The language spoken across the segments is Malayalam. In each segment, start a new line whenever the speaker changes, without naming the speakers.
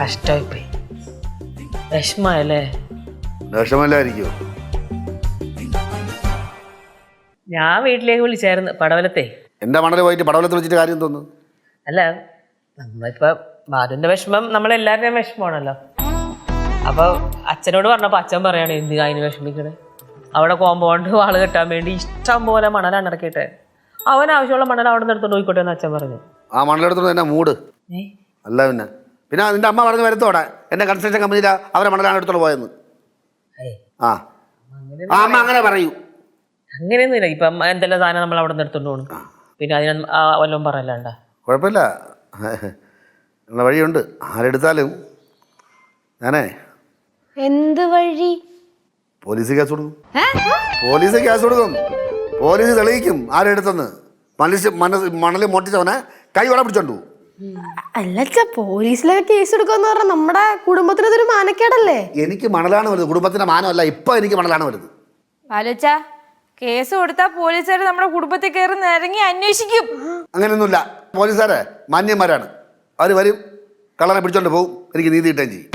കഷ്ടമായിപ്പോയി. വിഷമല്ലേ?
വിഷമല്ലായിരിക്കോ?
ഞാൻ വീട്ടിലേക്ക് വിളിച്ചായിരുന്നു പടവലത്തെ.
എന്റെ മണൽ പോയിട്ട് പടവലത്ത് വെച്ചിട്ട് കാര്യം തോന്നുന്നു.
അല്ല, നമ്മളിപ്പോ ബാലുവിന്റെ വിഷമം നമ്മളെല്ലാവരുടെയും വിഷമമാണല്ലോ. അപ്പൊ അച്ഛനോട് പറഞ്ഞപ്പോ അച്ഛൻ പറയാണ് എന്ത് അതിന് വിഷമിക്കണേ, അവിടെ കോമ്പൗണ്ട് വാള് കെട്ടാൻ വേണ്ടി ഇഷ്ടം പോലെ മണലാണ് ഇറക്കിയിട്ട് അവൻ ആവശ്യമുള്ള മണൽ അവിടെ നിന്ന് എടുത്തോണ്ട് പോയിക്കോട്ടെ എന്ന് അച്ഛൻ പറഞ്ഞു.
ആ മണലെടുത്തോണ്ട് എന്നെ മൂട് അല്ല. പിന്നെ നിന്റെ അമ്മ പറഞ്ഞ് വരുത്തോടെ എന്റെ കൺസ്ട്രക്ഷൻ കമ്പനിയിൽ അവരെ മണലാണ് എടുത്തോണ്ട് പോയെന്ന്. ആ അമ്മ അങ്ങനെ പറയൂ.
അങ്ങനെയൊന്നുമില്ല. ഇപ്പം എന്തെല്ലാം സാധനം നമ്മൾ അവിടെ നിന്ന് എടുത്തോണ്ട് പോകണം. പിന്നെ അതിന് വല്ലതും പറയല്ലാണ്ട
കുഴപ്പമില്ല, ഉള്ള വഴിയുണ്ട്. ആരെടുത്താലും ഞാനേ
എന്ത് വഴി?
പോലീസ് കേസ് കൊടുക്കും. പോലീസ് കേസ് കൊടുക്കും. പോലീസ് തെളിയിക്കും ആരെടുത്തെന്ന്. മണല് മോട്ടിച്ചവനെ കൈയോടെ പിടിച്ചോണ്ടു.
അല്ല, പോലീസിലൊക്കെ കേസ് എടുക്കാന്ന് പറഞ്ഞാൽ നമ്മുടെ കുടുംബത്തിനതൊരു മാനക്കേടല്ലേ?
എനിക്ക് മണലാണ് വലുത്, കുടുംബത്തിന്റെ മാനമല്ല. ഇപ്പൊ എനിക്ക് മണലാണ് വലുത്.
ബാലുച്ച, കേസ് കൊടുത്താൽ പോലീസുകാർ നമ്മുടെ കുടുംബത്തിൽ കയറി നിരങ്ങി അന്വേഷിക്കും.
അങ്ങനെയൊന്നുമില്ല. പോലീസുകാരെ മാന്യന്മാരാണ്. അവർ വരും, കള്ളനെ പിടിച്ചോണ്ട് പോകും, എനിക്ക് നീതി കിട്ടുകയും ചെയ്യും.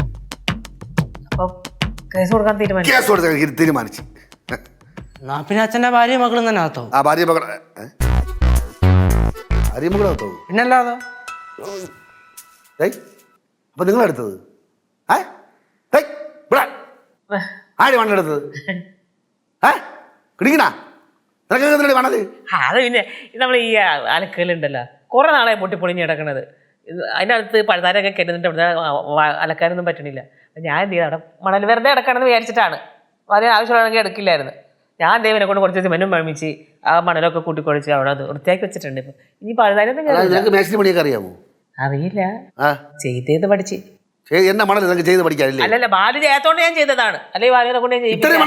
കേസ് കൊടുക്കാൻ
തീരുമാനിച്ചു.
പിന്നെ അച്ഛന്റെ ഭാര്യ മകളും തന്നെ ആത്തോ?
ആ ഭാര്യ മകളാത്തോ?
പിന്നല്ലാതെ.
അപ്പൊ നിങ്ങളെടുത്തത് ആര് മണ്ണെടുത്തത്? കിടിക്കണ മണല്?
അത് പിന്നെ നമ്മൾ ഈ അലക്കലുണ്ടല്ലോ, കുറെ നാളെ പൊട്ടിപ്പൊളിഞ്ഞ് കിടക്കണത്. അതിനകത്ത് പഴുതാരൊക്കെ കരുന്നിട്ട് അവിടെ അലക്കാനൊന്നും പറ്റണില്ല. ഞാൻ എന്ത് ചെയ്തു, അവിടെ മണൽ വെറുതെ കിടക്കണമെന്ന് വിചാരിച്ചിട്ടാണ്. വളരെ ആവശ്യമുള്ളതെങ്കിൽ എടുക്കില്ലായിരുന്നു. ഞാൻ ദൈവനെ കൊണ്ട് കുറച്ച് സിമെന്റും മഴമിച്ച് ആ മണലൊക്കെ കൂട്ടിക്കൊഴിച്ച് അവിടെ അത് വൃത്തിയാക്കി വെച്ചിട്ടുണ്ട്. ഇപ്പൊ ഇനി പഴുതാരൊന്നും
അറിയാമോ?
അറിയില്ല, ചെയ്തത് പഠിച്ച്.
എന്നെ മണൽ നിങ്ങൾക്ക് ചെയ്ത് പഠിക്കാനില്ലേ?
അല്ലല്ല, ബാലു ചെയ്യാത്തോണ്ട് ഞാൻ ചെയ്തതാണ്. അല്ലെങ്കിൽ ബാലുവിനെ കൊണ്ട്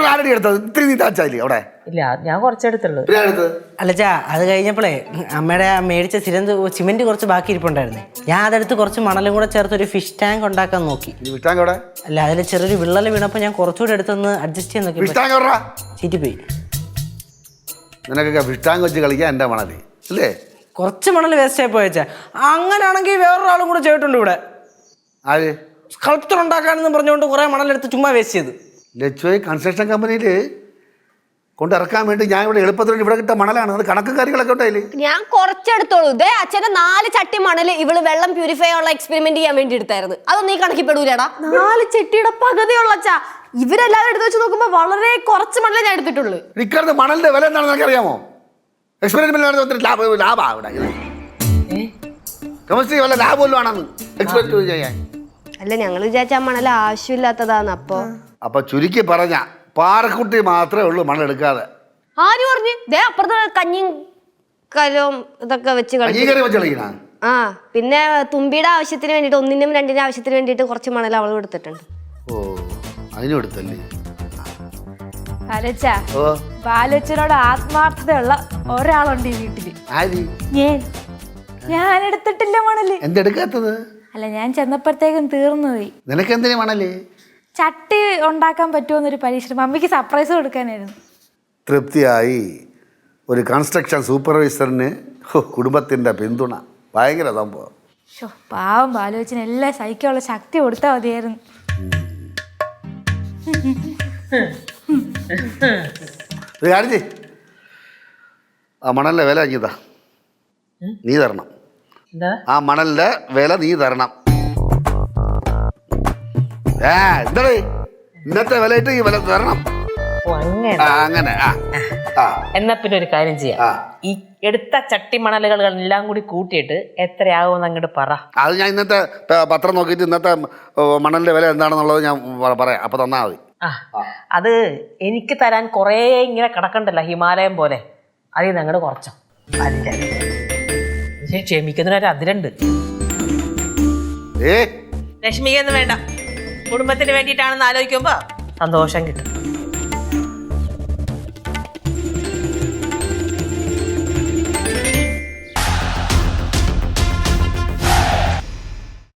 ഇല്ല, ഞാൻ കുറച്ചെടുത്തുള്ളൂ.
അല്ലച്ചാ, അത് കഴിഞ്ഞപ്പോഴേ അമ്മയുടെ മേടിച്ച സിമെന്റ് കുറച്ച് ബാക്കി ഇരിപ്പുണ്ടായിരുന്നേ. ഞാൻ അതെടുത്ത് കുറച്ച് മണലും കൂടെ ചേർത്ത് ഒരു ഫിഷ് ടാങ്ക് ഉണ്ടാക്കാൻ നോക്കി. അല്ല, അതിൽ ചെറിയൊരു വിള്ളൽ വീണപ്പോ ഞാൻ കുറച്ചുകൂടെ എടുത്തൊന്ന് അഡ്ജസ്റ്റ് ചെയ്യാൻ നോക്കി. ചീറ്റിപ്പോയി.
നിനക്കൊക്കെ ഫിഷ് ടാങ്ക് വെച്ച് കളിക്കാൻ എന്റെ മണല് അല്ലേ?
കുറച്ച് മണൽ വേസ്റ്റ് ആയി പോയച്ചാ. അങ്ങനെയാണെങ്കിൽ വേറൊരാളും കൂടെ ചെയ്തിട്ടുണ്ട് ഇവിടെ.
ആര്?
സ്കൾപ്ചർ ഉണ്ടാക്കാനെന്ന് പറഞ്ഞുകൊണ്ട് കുറെ മണലെടുത്ത് ചുമ്മാ വേസ്റ്റ് ചെയ്ത്.
ലച്ചുവേ കൺസ്ട്രക്ഷൻ കമ്പനിയിൽ കൊണ്ടിറക്കാൻ വേണ്ടി ഞാൻ ഇവിടെ എളുപ്പത്തിൽ ഇവിടെ കിട്ട മണലാണ്. അത് കണക്കും കാര്യങ്ങളൊക്കെ ഉണ്ടായില്ലേ?
ഞാൻ കുറച്ചെടുത്തോളൂ. ഇതേ അച്ഛന്റെ 4 ചട്ടി മണല് ഇവള് വെള്ളം പ്യൂരിഫൈ ഉള്ള എക്സ്പെരിമെന്റ് ചെയ്യാൻ വേണ്ടി എടുത്തായിരുന്നു. അതൊന്നും ഈ കണക്കിപ്പെടൂലടാ. 4 ചട്ടിയുടെ പകുതിയുള്ള അച്ഛാ. ഇവരെല്ലാവരും എടുത്ത് വെച്ച് നോക്കുമ്പോ വളരെ കുറച്ച് മണലേ ഞാൻ എടുത്തിട്ടുള്ളൂ.
ഇക്കാലത്ത് മണലിന്റെ വില എന്താണെന്ന് എനിക്ക് അറിയാമോ? എക്സ്പെരിമെന്റ് ലാഭമാണ്. കെമിസ്ട്രി വല്ല ലാഭമല്ലോ ആണെന്ന് എക്സ്പെരിമെന്റ് ചെയ്യാൻ.
അല്ല, ഞങ്ങൾ വിചാരിച്ച ആ മണൽ ആവശ്യമില്ലാത്തതാന്ന്.
അപ്പൊ ചുരുക്കി പറഞ്ഞ പാറക്കുട്ടി മാത്രമേ ഉള്ളൂ മണലെടുക്കാതെ.
ആര് പറഞ്ഞു? അപ്പുറത്ത് കഞ്ഞിയും കലവും ഇതൊക്കെ വെച്ച്
കളിക്കണ.
ആ, പിന്നെ തുമ്പിയുടെ ആവശ്യത്തിന് വേണ്ടിട്ട് 1-നും 2-നും ആവശ്യത്തിന് വേണ്ടിട്ട് കുറച്ച് മണൽ അവളും എടുത്തിട്ടുണ്ട്.
ഓ, അതിനും എടുത്തല്ലേ?
ബാലുച്ചനോട് ആത്മാർത്ഥതയുള്ള ഒരാളുണ്ട് ഈ വീട്ടില്. ഞാൻ എടുത്തിട്ടില്ല മണല്.
എന്തെടുക്കാത്തത്?
അല്ല, ഞാൻ ചെന്നപ്പോഴത്തേക്കും തീർന്നുപോയി.
നിനക്ക് എന്തിനാ മണല്?
ചട്ടി ഉണ്ടാക്കാൻ പറ്റുമെന്നൊരു പരീക്ഷ മമ്മിക്ക് സർപ്രൈസ് കൊടുക്കാനായിരുന്നു.
തൃപ്തിയായി. ഒരു കൺസ്ട്രക്ഷൻ സൂപ്പർവൈസറിന് കുടുംബത്തിന്റെ പിന്തുണ ഭയങ്കര സംഭവം.
പാവം ബാലുവച്ചന് എല്ലാം സഹിക്കാനുള്ള ശക്തി കൊടുത്താൽ മതിയായിരുന്നു.
ആ മണലിന്റെ വില അഞ്ഞതാ, നീ തരണം. ആ മണലിന്റെ വില നീ തരണം. എന്താ ഇന്നത്തെ വിലയിട്ട് ഈ വില തരണം. അങ്ങനെ.
എന്നാ പിന്നെ ഒരു കാര്യം ചെയ്യാം, ഈ എടുത്ത ചട്ടി മണലുകൾ എല്ലാം കൂടി കൂട്ടിയിട്ട് എത്രയാകുമെന്ന് അങ്ങോട്ട് പറ.
അത് ഞാൻ ഇന്നത്തെ പത്രം നോക്കിയിട്ട് ഇന്നത്തെ മണലിന്റെ വില എന്താണെന്നുള്ളത് ഞാൻ പറയാം. അപ്പൊ തന്നാ മതി.
അത് എനിക്ക് തരാൻ കുറേ ഇങ്ങനെ കിടക്കണ്ടല്ലോ ഹിമാലയം പോലെ. അതിൽ നിന്ന് അങ്ങോട്ട് കുറച്ചോ. ക്ഷമിക്കുന്നതിനൊരു അതിരുണ്ട്. ലക്ഷ്മിക്കൊന്നും വേണ്ട, കുടുംബത്തിന് വേണ്ടിയിട്ടാണെന്ന് ആലോചിക്കുമ്പോ സന്തോഷം കിട്ടും.